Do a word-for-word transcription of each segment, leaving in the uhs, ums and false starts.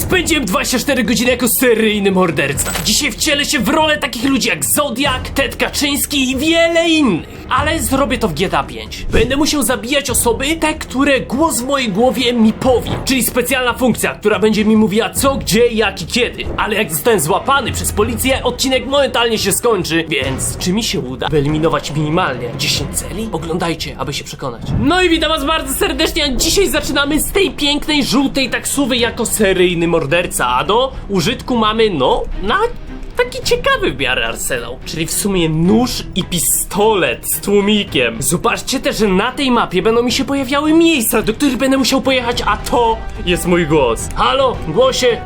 Spędziłem dwadzieścia cztery godziny jako seryjny morderca. Dzisiaj wcielę się w rolę takich ludzi jak Zodiak, Ted Kaczyński i wiele innych. Ale zrobię to w G T A pięć. Będę musiał zabijać osoby, te, które głos w mojej głowie mi powie. Czyli specjalna funkcja, która będzie mi mówiła co, gdzie, jak i kiedy. Ale jak zostałem złapany przez policję, odcinek momentalnie się skończy. Więc czy mi się uda wyeliminować minimalnie dziesięć celi? Oglądajcie, aby się przekonać. No i witam was bardzo serdecznie, a dzisiaj zaczynamy z tej pięknej, żółtej taksówy jako seryjny morderca. A do użytku mamy, no, na... taki ciekawy w miarę arsenał, czyli w sumie nóż i pistolet z tłumikiem. Zobaczcie też, że na tej mapie będą mi się pojawiały miejsca, do których będę musiał pojechać, a to jest mój głos. Halo, głosie.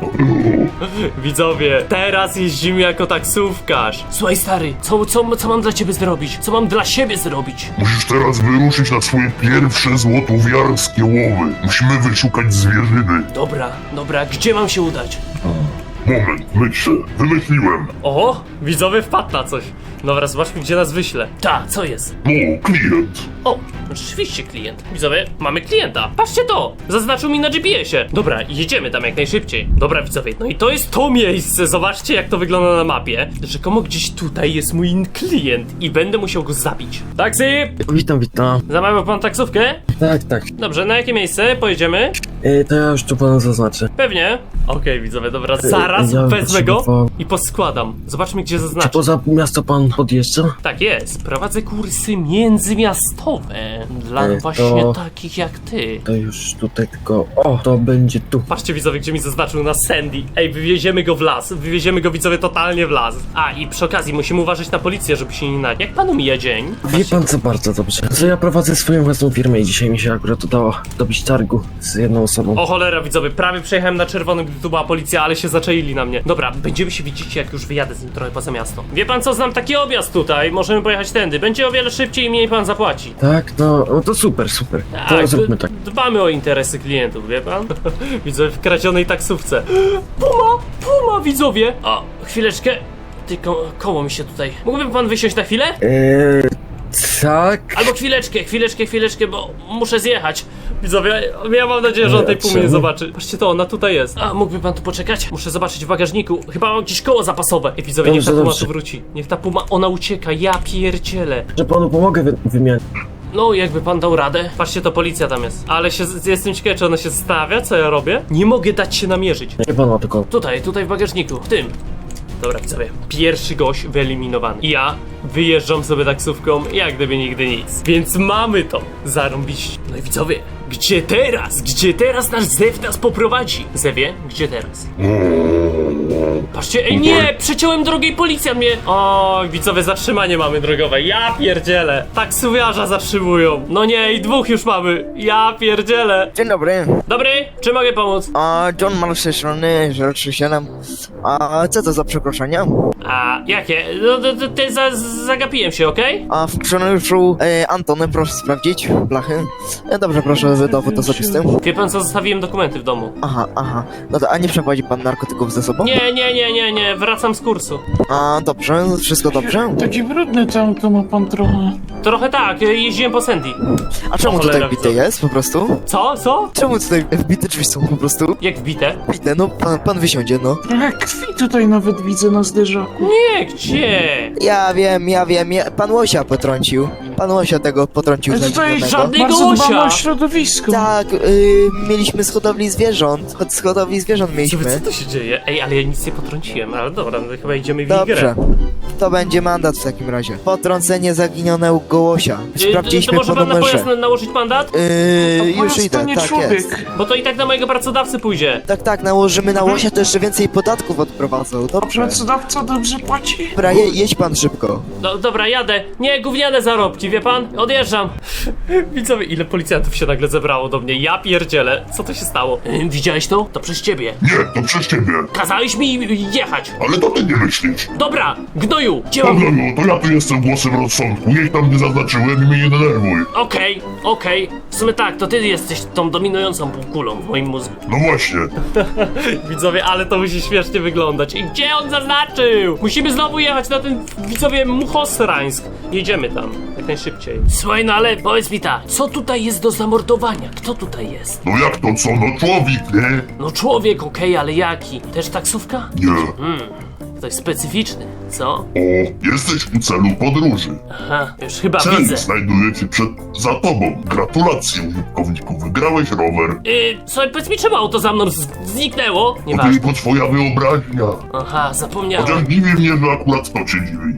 Widzowie, teraz jeździmy jako taksówkarz. Słuchaj stary, co, co, co mam dla ciebie zrobić? Co mam dla siebie zrobić? Musisz teraz wyruszyć na swoje pierwsze złotowiarskie łowy. Musimy wyszukać zwierzyny. Dobra, dobra, gdzie mam się udać? Moment, myślę. Wymyśliłem. O, widzowie wpadł na coś. Dobra, zobaczmy gdzie nas wyśle. Ta, co jest? No, klient. O, rzeczywiście klient. Widzowie, mamy klienta. Patrzcie to! Zaznaczył mi na G P S-ie. Dobra, jedziemy tam jak najszybciej. Dobra, widzowie, no i to jest to miejsce. Zobaczcie jak to wygląda na mapie. Rzekomo gdzieś tutaj jest mój klient i będę musiał go zabić. Taksi! Witam, witam. Zamawiał pan taksówkę? Tak, tak. Dobrze, na jakie miejsce pojedziemy? E, to ja już tu panu zaznaczę. Pewnie. Okej, widzowie, dobra, zaraz ja wezmę go potrzebował- i poskładam. Zobaczmy gdzie Czy zaznaczę. poza miasto pan podjeżdża? Tak jest, prowadzę kursy międzymiastowe dla E, to- właśnie takich jak ty. To już tutaj tylko... O, to będzie tu. Patrzcie widzowie, gdzie mi zaznaczył na Sandy. Ej, wywieziemy go w las, wywieziemy go widzowie totalnie w las. A i przy okazji musimy uważać na policję, żeby się nie nadziać. Jak panu mija dzień? Wie pan co, bardzo dobrze. Co ja prowadzę swoją własną firmę i dzisiaj mi się akurat udało dobić targu z jedną osobą. O cholera widzowie, prawie przejechałem na czerwonym, gdy tu była policja, ale się zaczaili na mnie. Dobra, będziemy się widzieć jak już wyjadę z nim trochę poza miasto. Wie pan co, znam taki objazd tutaj, możemy pojechać tędy. Będzie o wiele szybciej i mniej pan zapłaci. Tak, no, no to super, super. To Tak, zróbmy d- tak. Dbamy o interesy klientów, wie pan? Widzowie w kradzionej taksówce. Puma! Puma, widzowie! O, chwileczkę. Ty, ko koło mi się tutaj. Mógłby pan wysiąść na chwilę? Eee, tak. Albo chwileczkę, chwileczkę, chwileczkę, bo muszę zjechać. Widzowie, ja mam nadzieję, że on tej pumy nie Czemu? zobaczy. Patrzcie to, ona tutaj jest. A, mógłby pan tu poczekać? Muszę zobaczyć w bagażniku. Chyba mam gdzieś koło zapasowe. Ej, widzowie, niech ta Dobrze, puma dobrze. tu wróci. Niech ta puma, ona ucieka, ja pierdzielę. Że panu pomogę wy wymienić. No, jakby pan dał radę. Patrzcie, to policja tam jest. Ale się, jestem ciekawy, czy ona się zastawia, co ja robię? Nie mogę dać się namierzyć. Nie pan ma tylko... Tutaj, tutaj w bagażniku, w tym. Dobra, widzowie, pierwszy gość wyeliminowany. I ja wyjeżdżam sobie taksówką, jak gdyby nigdy nic. Więc mamy to. Zarąbiście. No i widzowie, gdzie teraz? Gdzie teraz nasz Zew nas poprowadzi? Zewie, gdzie teraz? Patrzcie, ej nie, przeciąłem drogę i policja mnie... O, widzowie, zatrzymanie mamy drogowe, ja pierdzielę. Taksówkarza zatrzymują. No nie, i dwóch już mamy, ja pierdzielę. Dzień dobry, Dobry, czy mogę pomóc? a John Mal z tej strony zero trzy siedem. A co to za przekroczenia? A, jakie? No, to, to, to za, zagapiłem się, okej? A w funkcjonariuszu e, Antony proszę sprawdzić blachy. E, dobrze, proszę dowód osobisty. Wie pan co, zostawiłem dokumenty w domu. Aha, aha, no to a nie przeprowadzi pan narkotyków ze sobą? Nie, nie, nie, nie, nie, wracam z kursu. A dobrze, wszystko dobrze? Takie brudne to auto ma pan trochę. Trochę tak, jeździłem po Sandy. A czemu O cholera, tutaj wbite widzę. jest po prostu? Co, co? Czemu tutaj wbite drzwi są po prostu? Jak wbite? Wbite, no pan, pan wysiądzie, no. Trochę krwi tutaj nawet widzę na zderzaku. Nie, gdzie? Ja wiem, ja wiem, ja, pan Łosia potrącił. Pan Łosia tego potrącił Ale tutaj zaginionego. żadny- bardzo Łosia. dbamy o środowisko. Tak, y, mieliśmy z hodowli zwierząt. Od z hodowli zwierząt Co, mieliśmy. co to się dzieje? Ej, ale ja nic nie potrąciłem, ale dobra, no chyba idziemy w ich Dobrze. grę. To będzie mandat w takim razie. Potrącenie zaginionego Łosia. Y, To Sprawdziliśmy może po pan na numerze. pojazd na, nałożyć mandat? Yy, już Pojazd idę, to nie tak człowiek. jest. Bo to i tak na mojego pracodawcy pójdzie. Tak, tak, nałożymy na Łosia, to jeszcze więcej podatków odprowadzą. Dobrze. Pracodawca dobrze płaci? Dobra, je, jedź pan szybko. No dobra, jadę. Nie, gówniane zarobki, wie pan? Odjeżdżam. Widzowie, ile policjantów się nagle zebrało do mnie. Ja pierdzielę. Co to się stało? Y, widziałeś to? To przez ciebie. Nie, to przez ciebie. Kazałeś mi jechać. Ale to ty nie myślisz. Dobra, gnoju, gdzie mam... Dobra, no, to ja tu jestem głosem rozsądku. Niech tam nie zaznaczyłem i mnie nie denerwuj. Okej, okej. W sumie tak, to ty jesteś tą dominującą półkulą w moim mózgu. No właśnie. Widzowie, ale to musi śmiesznie wyglądać. I gdzie on zaznaczył? Musimy znowu jechać na ten, widzowie, Muchosrańsk. Jedziemy tam, jak najszybciej. Słuchaj, no ale powiedz mi tak, co tutaj jest do zamordowania? Kto tutaj jest? No jak to co? No człowiek, nie? No człowiek, okej, ale jaki? Też taksówka? Nie. Ktoś specyficzny, co? O, jesteś u celu podróży. Aha, już chyba Cel widzę. znajduje się przed, za tobą. Gratulacje, użytkowniku, wygrałeś rower. Yy, słuchaj, powiedz mi, czemu auto za mną z- zniknęło? To Nieważne. tylko twoja wyobraźnia. Aha, zapomniałem. Chociaż dziwi mnie, że akurat to cię dziwi.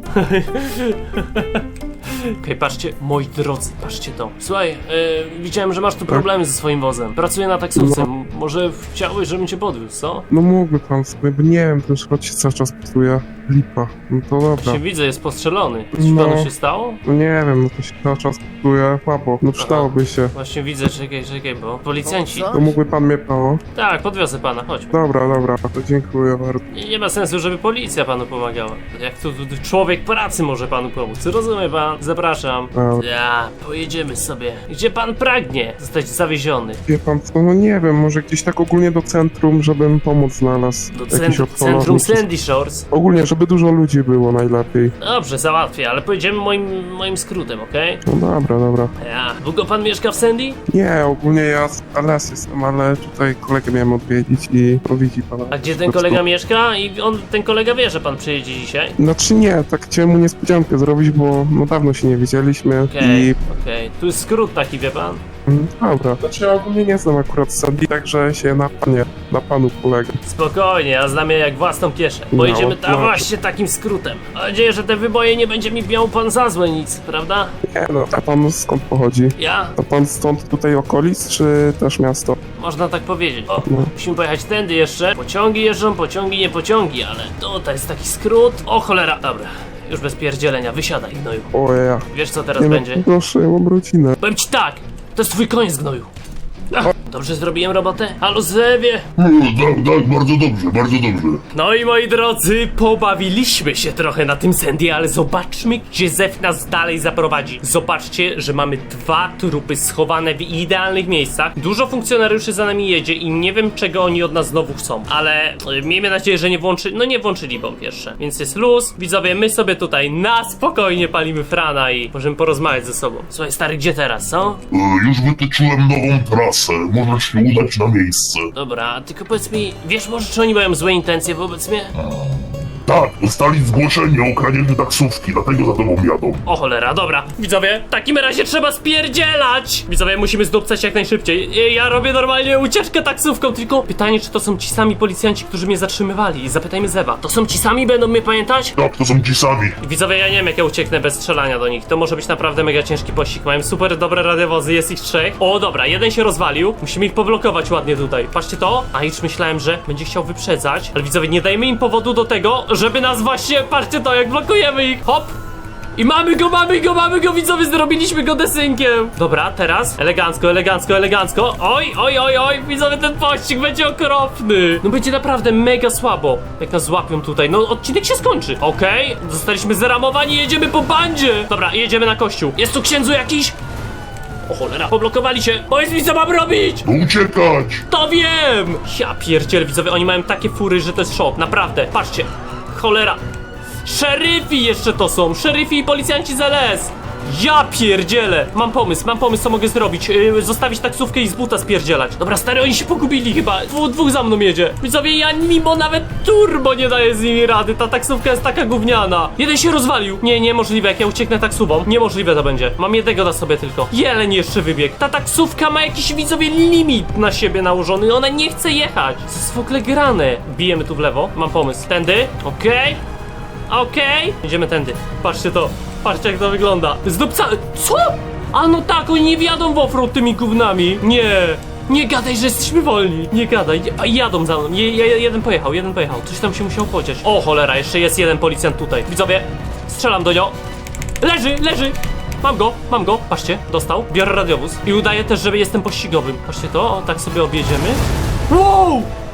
Okej, patrzcie, moi drodzy, patrzcie to. Słuchaj, yy, widziałem, że masz tu problemy ze swoim wozem. Pracuję na taksówce. M- Może chciałeś, żebym cię podwiózł, co? No mógłby pan sobie, bo nie wiem, ten szrot się cały czas psuje. Lipa. No to dobra. Się widzę, jest postrzelony. Coś No. panu się stało? No nie wiem, no to się cały czas psuje. Słabo. No przydałoby się. Właśnie widzę, czekaj, czekaj, bo policjanci... Co? To mógłby pan mnie pało? Tak, podwiozę pana, chodź. Dobra, dobra, to dziękuję bardzo. Nie, nie ma sensu, żeby policja panu pomagała. Jak tu, tu, tu człowiek pracy może panu pomóc. Rozumie pan? Zapraszam. Dobra. Ja, pojedziemy sobie. Gdzie pan pragnie zostać zawieziony? Wie pan co, no nie wiem, może gdzieś tak ogólnie do centrum, żebym pomoc znalazł. Do Jakiś cent- odpalownik. centrum Sandy Shores. Ogólnie, żeby dużo ludzi było najlepiej. Dobrze, załatwię, ale pojedziemy moim, moim skrótem, okej? No dobra, dobra. Ja. Długo pan mieszka w Sandy? Nie, ogólnie ja z L S jestem, ale tutaj kolegę miałem odwiedzić i no widzi pan. A gdzie ten kolega mieszka? I on, ten kolega wie, że pan przyjedzie dzisiaj? Znaczy nie, tak chciałem mu niespodziankę zrobić, bo no dawno się nie widzieliśmy Okej, i... okej. Tu jest skrót taki, wie pan? Mm, Dobra. Znaczy ja ogólnie nie znam akurat Sandy, także się na panie, na panu polegę. Spokojnie, ja znam je jak własną kieszeń. No, Pojedziemy tam no. właśnie takim skrótem. Mam nadzieję, że te wyboje nie będzie mi miał pan za złe nic, prawda? Nie no, a pan skąd pochodzi? Ja? To pan stąd tutaj okolic, czy też miasto? Można tak powiedzieć. O, No. musimy pojechać tędy jeszcze. Pociągi jeżdżą, pociągi, nie pociągi, ale tutaj jest taki skrót. O cholera, dobra. Już bez pierdzielenia, wysiadaj, gnoju. O ja. Wiesz co teraz Nie no, będzie? proszę, ja mam rodzinę. Powiem ci tak, to jest twój koniec, gnoju. Ach, dobrze zrobiłem robotę? Halo, Zewie! No, tak, tak, bardzo dobrze, bardzo dobrze. No i moi drodzy, pobawiliśmy się trochę na tym Sandy, ale zobaczmy, gdzie Zew nas dalej zaprowadzi. Zobaczcie, że mamy dwa trupy schowane w idealnych miejscach. Dużo funkcjonariuszy za nami jedzie i nie wiem, czego oni od nas znowu chcą. Ale y, miejmy nadzieję, że nie włączy... No nie włączyli bomb jeszcze. Więc jest luz. Widzowie, my sobie tutaj na spokojnie palimy frana i możemy porozmawiać ze sobą. Słuchaj, stary, gdzie teraz, co? E, już wytyczyłem nową trasę, możesz się udać na miejsce. Dobra, tylko powiedz mi, wiesz może, czy oni mają złe intencje wobec mnie? Tak, dostali zgłoszenie o kradzieży taksówki, dlatego za tobą jadą. O cholera, dobra. Widzowie, w takim razie trzeba spierdzielać! Widzowie, musimy zdupcać jak najszybciej. Ja robię normalnie ucieczkę taksówką, tylko pytanie, czy to są ci sami policjanci, którzy mnie zatrzymywali. Zapytajmy Zewa. To są ci sami, będą mnie pamiętać? Tak, to są ci sami. Widzowie, ja nie wiem, jak ja ucieknę bez strzelania do nich. To może być naprawdę mega ciężki pościg. Mają super dobre radiowozy, jest ich trzech. O, dobra, jeden się rozwalił. Musimy ich poblokować ładnie tutaj. Patrzcie to. A już myślałem, że będzie chciał wyprzedzać. Ale widzowie, nie dajmy im powodu do tego, żeby nas właśnie... Patrzcie to, jak blokujemy ich. Hop! I mamy go, mamy go, mamy go, widzowie, zrobiliśmy go desynkiem. Dobra, teraz elegancko, elegancko, elegancko. Oj, oj, oj, oj, widzowie, ten pościg będzie okropny. No będzie naprawdę mega słabo, jak nas złapią tutaj. No odcinek się skończy. Okej, zostaliśmy zaramowani, jedziemy po bandzie. Dobra, jedziemy na kościół. Jest tu księdzu jakiś? O cholera, poblokowali się. Powiedz mi, co mam robić? No uciekać! To wiem! Ja pierdzielę, widzowie, oni mają takie fury, że to jest szok. Naprawdę, patrzcie. Cholera. Szeryfi jeszcze to są, szeryfi i policjanci z L S. Ja pierdzielę. Mam pomysł, mam pomysł, co mogę zrobić. Yy, zostawić taksówkę i z buta spierdzielać. Dobra, stary, oni się pogubili chyba. Dwu, dwóch za mną jedzie. Widzowie, ja mimo nawet turbo nie daję z nimi rady. Ta taksówka jest taka gówniana. Jeden się rozwalił. Nie, niemożliwe, jak ja ucieknę taksówą. Niemożliwe to będzie. Mam jednego na sobie tylko. Jeleń jeszcze wybiegł. Ta taksówka ma jakiś, widzowie, limit na siebie nałożony. Ona nie chce jechać. Co jest w ogóle grane? Bijemy tu w lewo. Mam pomysł. Tędy. Okej. Okej. Idziemy tędy. Patrzcie to. Patrzcie, jak to wygląda. Zdupca... Co? A no tak, oni nie wjadą w offroad tymi gównami. Nie. Nie gadaj, że jesteśmy wolni. Nie gadaj. A jadą za mną. Je, je, jeden pojechał, jeden pojechał. Coś tam się musiał podziać. O cholera, jeszcze jest jeden policjant tutaj. Widzowie, strzelam do niego. Leży, leży. Mam go, mam go. Patrzcie, dostał. Biorę radiowóz. I udaję też, że jestem pościgowym. Patrzcie to, o, tak sobie objedziemy. Wow!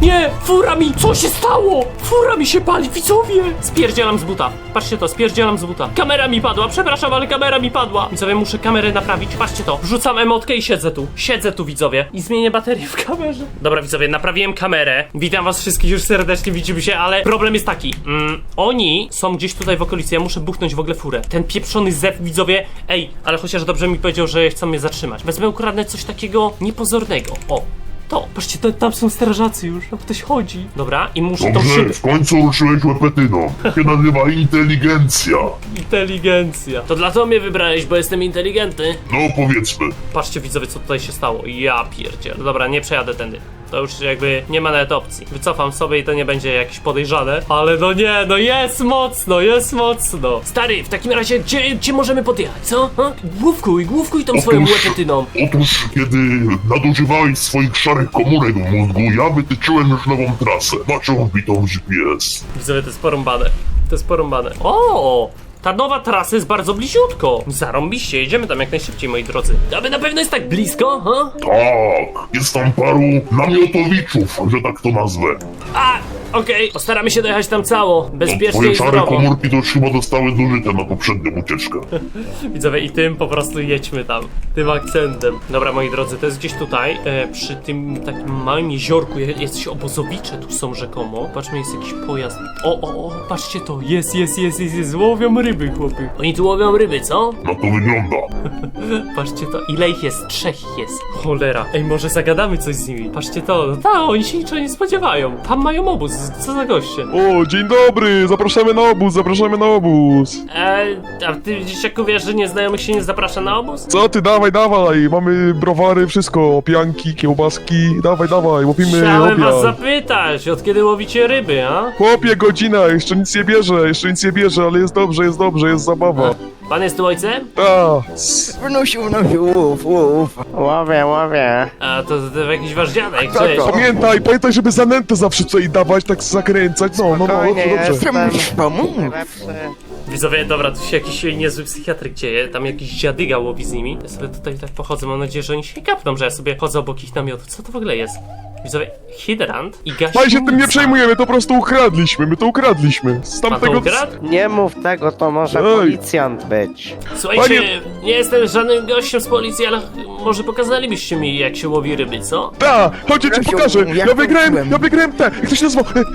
Nie! Fura mi! Co się stało? Fura mi się pali, widzowie! Spierdzielam z buta. Patrzcie to, spierdzielam z buta. Kamera mi padła, przepraszam, ale kamera mi padła. Widzowie, muszę kamerę naprawić. Patrzcie to. Wrzucam emotkę i siedzę tu. Siedzę tu, widzowie. I zmienię baterię w kamerze. Dobra, widzowie, naprawiłem kamerę. Witam was wszystkich już serdecznie, widzimy się, ale problem jest taki. Mm, oni są gdzieś tutaj w okolicy, ja muszę buchnąć w ogóle furę. Ten pieprzony zew, widzowie. Ej, ale chociaż dobrze mi powiedział, że chcą mnie zatrzymać. Wezmę, ukradnę coś takiego niepozornego. O. To, patrzcie, to, tam są strażacy już, tam ktoś chodzi. Dobra, i muszę tą Dobrze, szybę... w końcu ruszyłeś łepetyną. To się nazywa inteligencja. Inteligencja. To dlatego mnie wybrałeś, bo jestem inteligentny. No powiedzmy. Patrzcie, widzowie, co tutaj się stało. Ja pierdzielę. Dobra, nie przejadę tędy. To już jakby nie ma nawet opcji. Wycofam sobie i to nie będzie jakieś podejrzane. Ale no nie, no jest mocno, jest mocno. Stary, w takim razie gdzie, gdzie możemy podjechać, co? Ha? Główkuj, główkuj tą swoją Otóż- łepetyną. Otóż, kiedy nadużywałeś swoich szarych komórek w mózgu, ja wytyczyłem już nową trasę. Masz ją wbitą w G P S. Widzowie, to jest porąbane. To jest porąbane. O! Ta nowa trasa jest bardzo bliziutko. Zarąbiście, jedziemy tam jak najszybciej, moi drodzy. Aby na pewno jest tak blisko, ha? Tak, jest tam paru namiotowiczów, że tak to nazwę. A, okej, postaramy się dojechać tam cało, No, bezpiecznie twoje i szare zdrowo. komórki to już chyba zostały zużyte na poprzednią ucieczkę. Widzowie, i tym po prostu jedźmy tam, tym akcentem. Dobra, moi drodzy, to jest gdzieś tutaj, e, przy tym takim małym jeziorku, je- jacyś obozowicze tu są rzekomo. Patrzmy, jest jakiś pojazd. O, o, o, patrzcie to, jest, jest, jest, jest, jest, łowią ryby, chłopy. Oni tu łowią ryby, co? Na to wygląda. Patrzcie to, ile ich jest? Trzech ich jest. Cholera. Ej, może zagadamy coś z nimi. Patrzcie to, no ta, oni się niczego nie spodziewają. Tam mają obóz, co za goście. O, dzień dobry, zapraszamy na obóz, zapraszamy na obóz. Eee, a ty dzieciaku wiesz, że nieznajomych się nie zaprasza na obóz? Co ty, dawaj, dawaj, mamy browary, wszystko, pianki, kiełbaski, dawaj, dawaj, łopimy Chciałem was obiad. zapytać, od kiedy łowicie ryby, a? Chłopie, godzina, jeszcze nic nie bierze, jeszcze nic nie bierze, ale jest dobrze, jest dobrze, jest zabawa. Pan jest tu ojcem? Ta, Wnusiu, wnusiu, łów, łów. Łowię, łowię. A to, to jakiś wasz dziadek, Tak, cześć. tak. pamiętaj, pamiętaj, żeby zanętę zawsze tutaj dawać, tak zakręcać, no, no, no, Spokojnie, dobrze, dobrze. jestem. Którym musisz pomóc? Lepszy. Widzowie, dobra, tu się jakiś niezły psychiatryk dzieje, tam jakiś dziadyga łowi z nimi. Ja sobie tutaj tak pochodzę, mam nadzieję, że oni się nie kapną, że ja sobie chodzę obok ich namiotów. Co to w ogóle jest? Widzowie, hydrant i gaśnica. Paj się tym nie przejmujemy, to po prostu ukradliśmy, my to ukradliśmy. Z Pan to tamtego... ukradł? Nie mów tego, to może Ej. policjant być. Słuchajcie, Panie- nie jestem żadnym gościem z policji, ale może pokazalibyście mi, jak się łowi ryby, co? Ta, chodź, ja ci Grzesiu, pokażę, jak ja to wygrałem, mówiłem? ja wygrałem te, jak to się nazywa? E,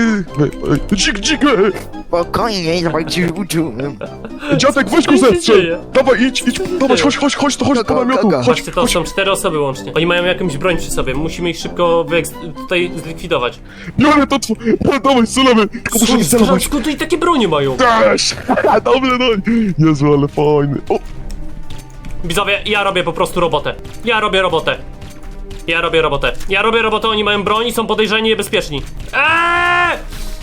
e, e, Dzik, dzik, e. Spokojnie, dawaj ci uczyłem. Dziadek, weź Co go się zestrzel! dzieje? Dawaj, idź, idź, dawaj, chodź, chodź, chodź, to chodź do Kogo, namiotu, kogo? chodź, Patrzcie, to chodź. są cztery osoby łącznie. Oni mają jakąś broń przy sobie, musimy ich szybko wyeks- tutaj zlikwidować. Biorę to, tw- no, dawaj, strzelamy, tylko muszę nie celować. Skąd tu i takie bronie mają? Też! Dobre, no, Jezu, ale fajny. O, Widzowie, ja robię po prostu robotę. Ja robię robotę. Ja robię robotę. Ja robię robotę, oni mają broń i są podejrzani i niebezpieczni. Eee!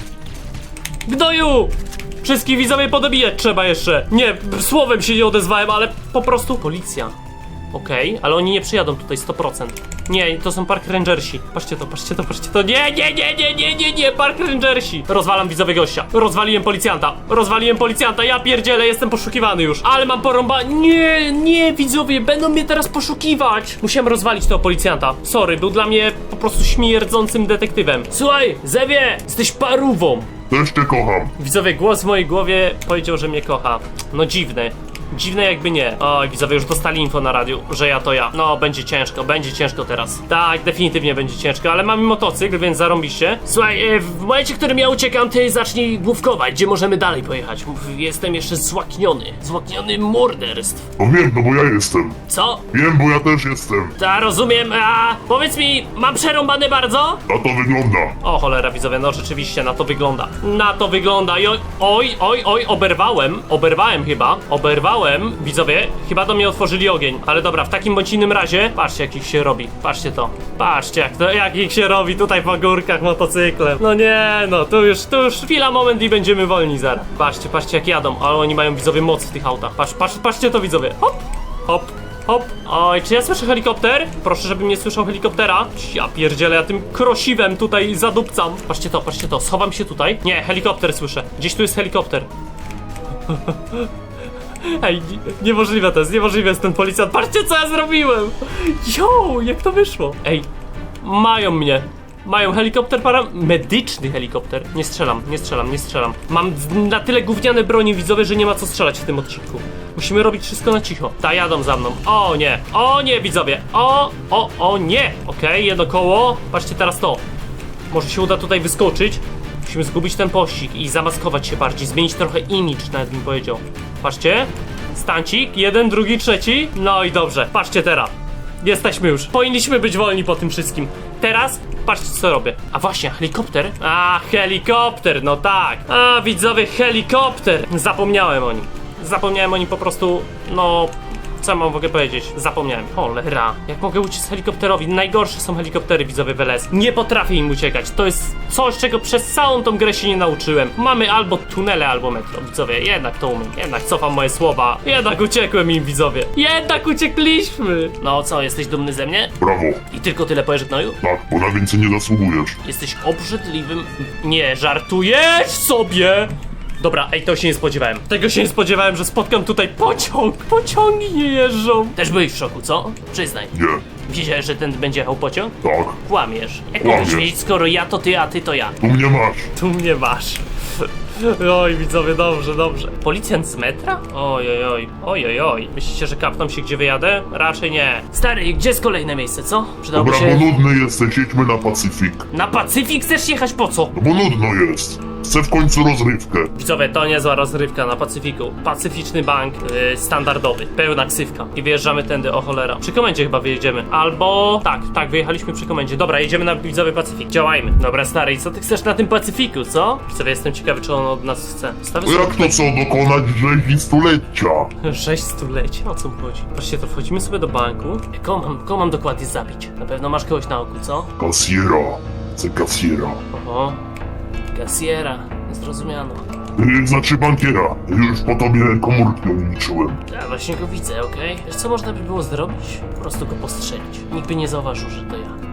Gnoju! Wszystkich widzowie podobijać trzeba jeszcze. Nie, słowem się nie odezwałem, ale po prostu... Policja. Okej, ale oni nie przyjadą tutaj sto procent. Nie, to są Park Rangersi. Patrzcie to, patrzcie to, patrzcie to. Nie, nie, nie, nie, nie, nie, nie, Park Rangersi. Rozwalam widzowie gościa. Rozwaliłem policjanta. Rozwaliłem policjanta. Ja pierdzielę, jestem poszukiwany już. Ale mam porąba... Nie, nie, widzowie, będą mnie teraz poszukiwać. Musiałem rozwalić tego policjanta. Sorry, był dla mnie po prostu śmierdzącym detektywem. Słuchaj, Zewie, jesteś parówą. Też cię kocham. Widzowie, głos w mojej głowie powiedział, że mnie kocha. No dziwne. Dziwne jakby nie. Oj, widzowie już dostali info na radiu, że ja to ja. No, będzie ciężko, będzie ciężko teraz. Tak, definitywnie będzie ciężko, ale mamy motocykl, więc zarąbiście. Słuchaj, e, w momencie, w którym ja uciekam, ty zacznij główkować, gdzie możemy dalej pojechać. Mów, jestem jeszcze złakniony. Złakniony morderstw. No wiem, no bo ja jestem. Co? Wiem, bo ja też jestem. Ta, rozumiem, a powiedz mi, mam przerąbane bardzo? Na to wygląda. O cholera, widzowie, no rzeczywiście na to wygląda. Na to wygląda. I oj, oj, oj, oj, oberwałem. Oberwałem chyba. Oberwałem. Widzowie, chyba do mnie otworzyli ogień. Ale dobra, w takim bądź innym razie, patrzcie jak ich się robi. Patrzcie to. Patrzcie jak to, jak ich się robi tutaj po górkach motocyklem. No nie, no, tu już, tu już chwila, moment i będziemy wolni zaraz. Patrzcie, patrzcie jak jadą, ale oni mają widzowie moc w tych autach. Patrz, patrz, patrzcie to widzowie. Hop, hop. Hop. Oj, czy ja słyszę helikopter? Proszę, żebym nie słyszał helikoptera. Ja pierdzielę, ja tym krosiwem tutaj zadupcam. Patrzcie to, patrzcie to, schowam się tutaj. Nie, helikopter słyszę. Gdzieś tu jest helikopter. Ej, nie, niemożliwe to jest, niemożliwe jest ten policjant. Patrzcie co ja zrobiłem! Jo, jak to wyszło? Ej, mają mnie. Mają helikopter para... medyczny helikopter. Nie strzelam, nie strzelam, nie strzelam. Mam na tyle gówniane broni widzowie, że nie ma co strzelać w tym odcinku. Musimy robić wszystko na cicho. Ta, jadą za mną. O nie, o nie widzowie. O, o, o nie. Okej, okay, jedno koło. Patrzcie teraz to. Może się uda tutaj wyskoczyć. Musimy zgubić ten pościg i zamaskować się bardziej. Zmienić trochę imidż, nawet bym powiedział. Patrzcie. Stancik, jeden, drugi, trzeci. No i dobrze, patrzcie teraz. Jesteśmy już. Powinniśmy być wolni po tym wszystkim. Teraz patrzcie co robię. A właśnie, helikopter? A, helikopter, no tak. A, widzowie, helikopter. Zapomniałem o nim. Zapomniałem o nim po prostu, no... Co mam w ogóle powiedzieć? Zapomniałem. Cholera. Jak mogę uciec helikopterowi? Najgorsze są helikoptery widzowie w L S. Nie potrafię im uciekać. To jest coś, czego przez całą tą grę się nie nauczyłem. Mamy albo tunele, albo metro. Widzowie, jednak to umiem. Jednak cofam moje słowa. Jednak uciekłem im widzowie. Jednak uciekliśmy. No co, jesteś dumny ze mnie? Brawo. I tylko tyle powiesz, gnoju? Tak, bo na więcej nie zasługujesz. Jesteś obrzydliwym... Nie, żartujesz sobie! Dobra, ej, to się nie spodziewałem. Tego się nie spodziewałem, że spotkam tutaj pociąg. Pociągi nie jeżdżą. Też byłeś w szoku, co? Przyznaj. Nie. Wiedziałeś, że ten będzie jechał pociąg? Tak. Kłamiesz. Jak Kłamię. mogłeś wiedzieć, skoro ja to ty, a ty to ja? Tu mnie masz. Tu mnie masz. Oj, widzowie, dobrze, dobrze. Policjant z metra? Oj, oj, oj, oj, oj, oj. Myślicie, że kapną się, gdzie wyjadę? Raczej nie. Stary, gdzie jest kolejne miejsce, co? Przydałoby Dobra, się... bo nudny jesteś, jedźmy na Pacyfik. Na Pacyfik chcesz jechać po co? No bo nudno jest. Chcę w końcu rozrywkę. Widzowie, to niezła rozrywka na Pacyfiku. Pacyficzny bank, yy, standardowy, pełna ksywka. I wyjeżdżamy tędy, o cholera. Przy komendzie chyba wyjedziemy. Albo... Tak, tak, wyjechaliśmy przy komendzie. Dobra, jedziemy na widzowy Pacyfik. Działajmy. Dobra, stary, i co ty chcesz na tym Pacyfiku, co? Widzowie, jestem ciekawy, czy on od nas chce. Stawię No jak to co, dokonać rzezi stulecia? Sześć stuleci? O co mu chodzi? Patrzcie, to wchodzimy sobie do banku. Kogo mam, kogo mam dokładnie zabić? Na pewno masz kogoś na oku, co? Kasjera. Chcę kasjera. Oho. Kasjera. Zrozumiano. Yy, znaczy bankiera. Już po tobie komórki liczyłem. Ja właśnie go widzę, okej? Wiesz co można by było zrobić? Po prostu go postrzelić. Nikt by nie zauważył, że to ja.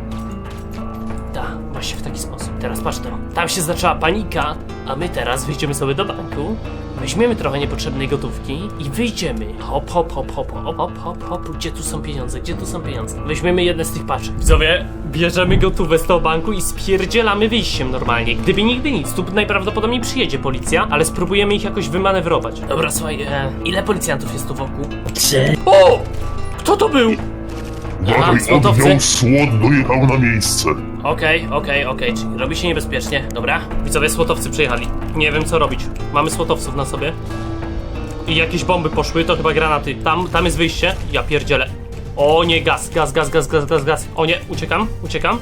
Tak, właśnie w taki sposób. Teraz patrz to. Tam się zaczęła panika, a my teraz wyjdziemy sobie do banku, weźmiemy trochę niepotrzebnej gotówki i wyjdziemy. Hop, hop, hop, hop, hop, hop, hop, hop. Gdzie tu są pieniądze? Gdzie tu są pieniądze? Weźmiemy jedne z tych paczek. Widzowie, bierzemy gotówę z tego banku i spierdzielamy wyjściem normalnie. Gdyby nigdy nic, tu najprawdopodobniej przyjedzie policja, ale spróbujemy ich jakoś wymanewrować. Dobra, słuchaj, e, ile policjantów jest tu wokół? Trzy. O! Kto to był? Aha, Uważaj, złotowcy. oddział SWAT dojechał na miejsce. Okej, okej, okej, czyli robi się niebezpiecznie. Dobra, widzowie, słotowcy przyjechali. Nie wiem co robić. Mamy słotowców na sobie. I jakieś bomby poszły, to chyba granaty. Tam, tam jest wyjście. Ja pierdzielę. O nie, gaz, gaz, gaz, gaz, gaz, gaz, gaz. O nie, uciekam, uciekam.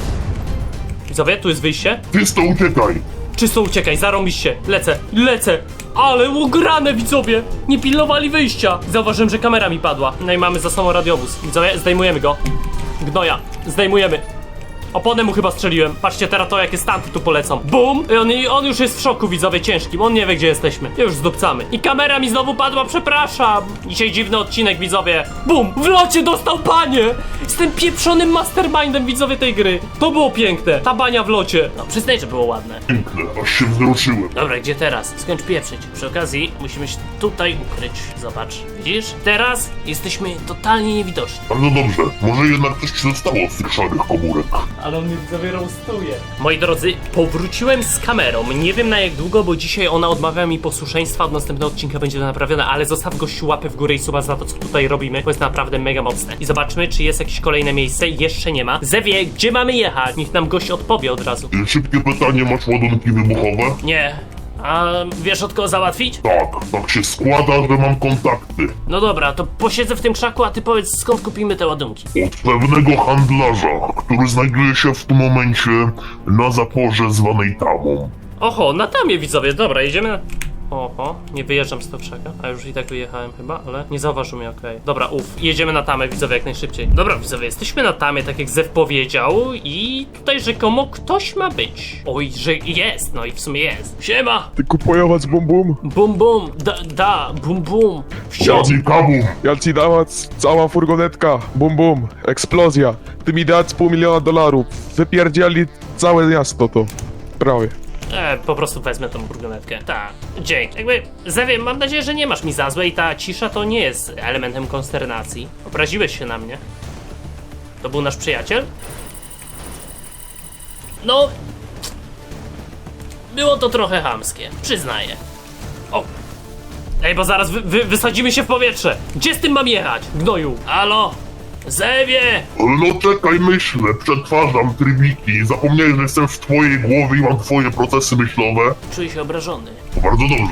Widzowie, tu jest wyjście. Ty to uciekaj. Czysto uciekaj, zarąbiście. Lecę, lecę. Ale ugrane, widzowie. Nie pilnowali wyjścia. Zauważyłem, że kamera mi padła. No i mamy za sobą radiowóz. Widzowie, zdejmujemy go. Gnoja, zdejmujemy. Oponę mu chyba strzeliłem. Patrzcie teraz to, jakie stanty tu polecą. Bum! I on, i on już jest w szoku, widzowie, ciężkim. On nie wie, gdzie jesteśmy. Już zdupcamy. I kamera mi znowu padła, przepraszam. Dzisiaj dziwny odcinek, widzowie. Bum! W locie dostał panie! Z tym pieprzonym mastermindem, widzowie, tej gry. To było piękne. Ta bania w locie. No, przyznaj, że było ładne. Piękne, aż się wzruszyłem. Dobra, gdzie teraz? Skończ pieprzyć. Przy okazji musimy się tutaj ukryć. Zobacz. Widzisz? Teraz jesteśmy totalnie niewidoczni. Bardzo dobrze. Może jednak coś ci zostało z tych szarych komórek. Ale on mnie widzowie roastuje. Moi drodzy, powróciłem z kamerą. Nie wiem na jak długo, bo dzisiaj ona odmawia mi posłuszeństwa. Od następnego odcinka będzie to naprawione, ale zostaw gościu łapę w górę i suba za to, co tutaj robimy, bo jest naprawdę mega mocne. I zobaczmy, czy jest jakieś kolejne miejsce. Jeszcze nie ma. Zewie, gdzie mamy jechać? Niech nam gość odpowie od razu. Yy, Szybkie pytanie, masz ładunki wybuchowe? Nie. A wiesz od kogo załatwić? Tak, tak się składa, że mam kontakty. No dobra, to posiedzę w tym krzaku, a ty powiedz skąd kupimy te ładunki. Od pewnego handlarza, który znajduje się w tym momencie na zaporze zwanej Tamą. Oho, na tamie widzowie, dobra, jedziemy na... Oho, nie wyjeżdżam z tego krzaka, a już i tak wyjechałem chyba, ale nie zauważył mnie, okej. Dobra, uff, jedziemy na tamę, widzowie, jak najszybciej. Dobra, widzowie, jesteśmy na tamie, tak jak Zew powiedział i tutaj rzekomo ktoś ma być. Oj, że jest, no i w sumie jest. Siema! Ty kupować bum bum. Bum bum, da, da, bum bum. Wsio! Ładnie kabum. Ja ci dawać cała furgonetka. Bum bum. Eksplozja. Ty mi dać pół miliona dolarów. Wypierdzieli całe miasto to. Prawie. E, po prostu wezmę tą burgonetkę. Tak, dzięki. Jakby, Zewie, mam nadzieję, że nie masz mi za złe i ta cisza to nie jest elementem konsternacji. Obraziłeś się na mnie. To był nasz przyjaciel? No... Było to trochę chamskie, przyznaję. O! Ej, bo zaraz wy, wy, wysadzimy się w powietrze! Gdzie z tym mam jechać, gnoju? Halo? Zewie! No czekaj, myślę, przetwarzam trybiki. Zapomniałem, że jestem w twojej głowie i mam twoje procesy myślowe. Czuję się obrażony. To bardzo dobrze.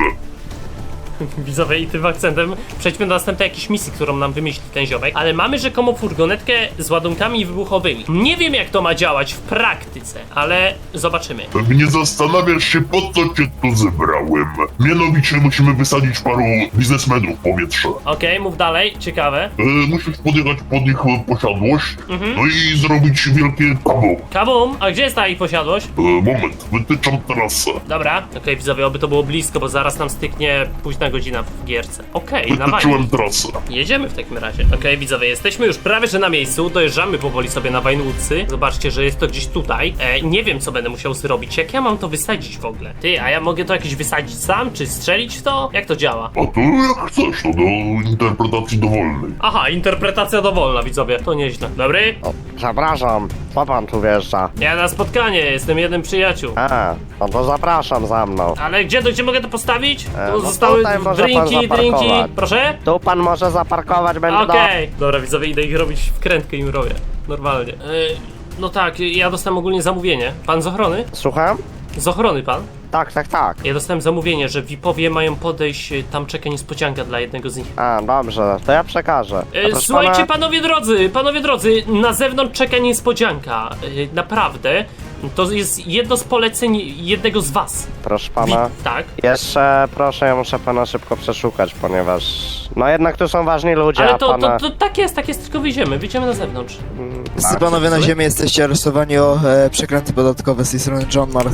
Widzowie, i tym akcentem przejdźmy do następnej jakiejś misji, którą nam wymyśli ten ziomek. Ale mamy rzekomo furgonetkę z ładunkami wybuchowymi. Nie wiem, jak to ma działać w praktyce, ale zobaczymy. Pewnie zastanawiasz się, po co cię tu zebrałem. Mianowicie musimy wysadzić paru biznesmenów w powietrze. Okej, mów dalej, ciekawe. E, musisz podjechać pod nich e, posiadłość, no i zrobić wielkie kabum. Kabum, a gdzie jest ta ich posiadłość? E, moment, wytyczam trasę. Dobra, okej, widzowie, oby to było blisko, bo zaraz nam styknie późna godzina w gierce. Okej, na wajnie. Wytyczyłem trasę. Jedziemy w takim razie. Okej, widzowie, jesteśmy już prawie że na miejscu, dojeżdżamy powoli sobie na Wajnłódcy. Zobaczcie, że jest to gdzieś tutaj. E, nie wiem, co będę musiał zrobić, jak ja mam to wysadzić w ogóle. Ty, a ja mogę to jakieś wysadzić sam, czy strzelić w to? Jak to działa? A to jak chcesz, to do interpretacji dowolnej. Aha, interpretacja dowolna, widzowie, to nieźle. Dobry? O, przepraszam, co pan tu wjeżdża? Ja na spotkanie, jestem jeden przyjaciół. A, no to zapraszam za mną. Ale gdzie, to gdzie mogę to postawić? E, Tu no zostały tutaj może pan drinki, drinki. zaparkować. Proszę? Tu pan może zaparkować, będę Okej. Dobra, widzowie, idę ich robić wkrętkę im robię. Normalnie. E, no tak, ja dostałem ogólnie zamówienie. Pan z ochrony? Słucham? Z ochrony pan? Tak, tak, tak. Ja dostałem zamówienie, że V I P-owie mają podejść, e, tam czeka niespodzianka dla jednego z nich. A, dobrze, to ja przekażę. A E, proszę słuchajcie, pana- panowie drodzy, panowie drodzy, na zewnątrz czeka niespodzianka. E, naprawdę, to jest jedno z poleceń jednego z was. Proszę Vi- pana. tak. Jeszcze proszę, ja muszę pana szybko przeszukać, ponieważ... No jednak tu są ważni ludzie, Ale a to, pana... to, to tak jest, tak jest, tylko wyjdziemy, wyjdziemy na zewnątrz. Wszyscy panowie na ziemi jesteście aresztowani o e, przekręty podatkowe z tej strony John Mark.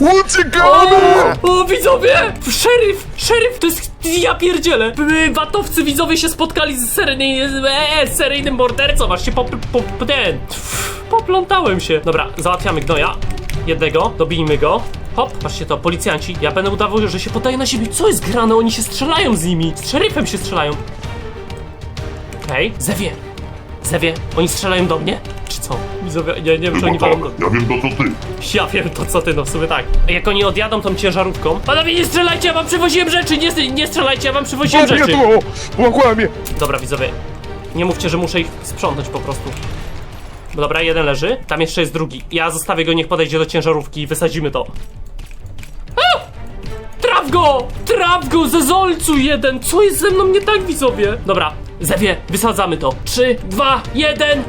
O, o widzowie! Szeryf! Szeryf! To jest... Ja pierdzielę! B- Watowcy widzowie się spotkali z seryjnym... E, seryjnym mordercą, aż się pop... pop ten... Poplątałem się. Dobra, załatwiamy gnoja. Jednego, dobijmy go. Hop, patrzcie to, policjanci. Ja będę udawał, że się podaje na siebie. Co jest grane? Oni się strzelają z nimi. Z szeryfem się strzelają. Okej, okay. Zewie. Zewie, oni strzelają do mnie? Czy co? Widzowie, nie, nie wiem, czy Chyba oni tak, walą do... ja wiem to co ty. Ja wiem to co ty, no w sumie tak. Jak oni odjadą tą ciężarówką... Panowie, nie strzelajcie, ja wam przywoziłem rzeczy! Nie, nie strzelajcie, ja wam przywoziłem Nie rzeczy! tu! Łakłamie! Dobra, widzowie. Nie mówcie, że muszę ich sprzątać po prostu. Dobra, jeden leży. Tam jeszcze jest drugi. Ja zostawię go, niech podejdzie do ciężarówki i wysadzimy to. A! Traf go! Traf go, zezolcu jeden! Co jest ze mną nie tak, widzowie? Dobra, Zewie, wysadzamy to. Trzy, dwa, jeden...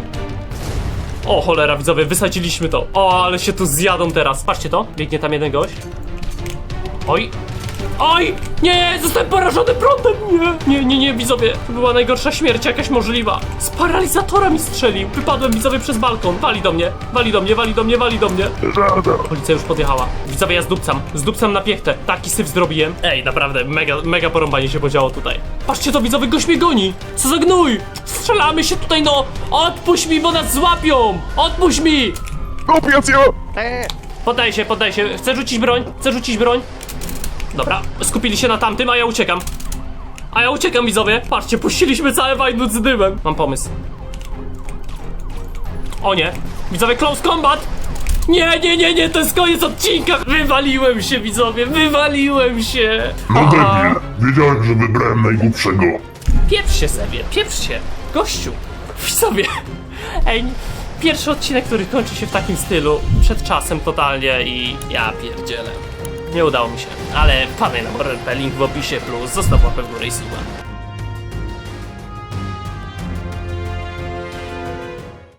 O cholera, widzowie, wysadziliśmy to. O, ale się tu zjadą teraz. Patrzcie to, biegnie tam jeden gość. Oj. Oj! Nie, zostałem porażony prądem! Nie, nie, nie, nie, widzowie. To była najgorsza śmierć jakaś możliwa. Z paralizatora mi strzelił. Wypadłem, widzowie, przez balkon. Wali do mnie, wali do mnie, wali do mnie, wali do mnie. Policja już podjechała. Widzowie, ja zdupcam. Zdupcam na piechtę. Taki syf zrobiłem. Ej, naprawdę, mega, mega porąbanie się podziało tutaj. Patrzcie to, widzowie, gość mnie goni. Co za gnój! Strzelamy się tutaj, no! Odpuść mi, bo nas złapią! Odpuść mi! Opiacjo! Ty, Poddaj się, poddaj się. Chcę rzucić broń, chcę rzucić broń. Dobra, skupili się na tamtym, a ja uciekam. A ja uciekam, widzowie. Patrzcie, puściliśmy całe Wajnut z dymem. Mam pomysł. O nie. Widzowie, close combat. Nie, nie, nie, nie, to jest koniec odcinka. Wywaliłem się, widzowie, wywaliłem się. No Aha. debil, wiedziałem, że wybrałem najgłupszego. Pieprz się sobie, pieprz się. Gościu. Widzowie. Ej, pierwszy odcinek, który kończy się w takim stylu. Przed czasem totalnie i ja pierdzielę. Nie udało mi się, ale wpadaj na Morel, link w opisie, plus zostaw łapę w górę i suba.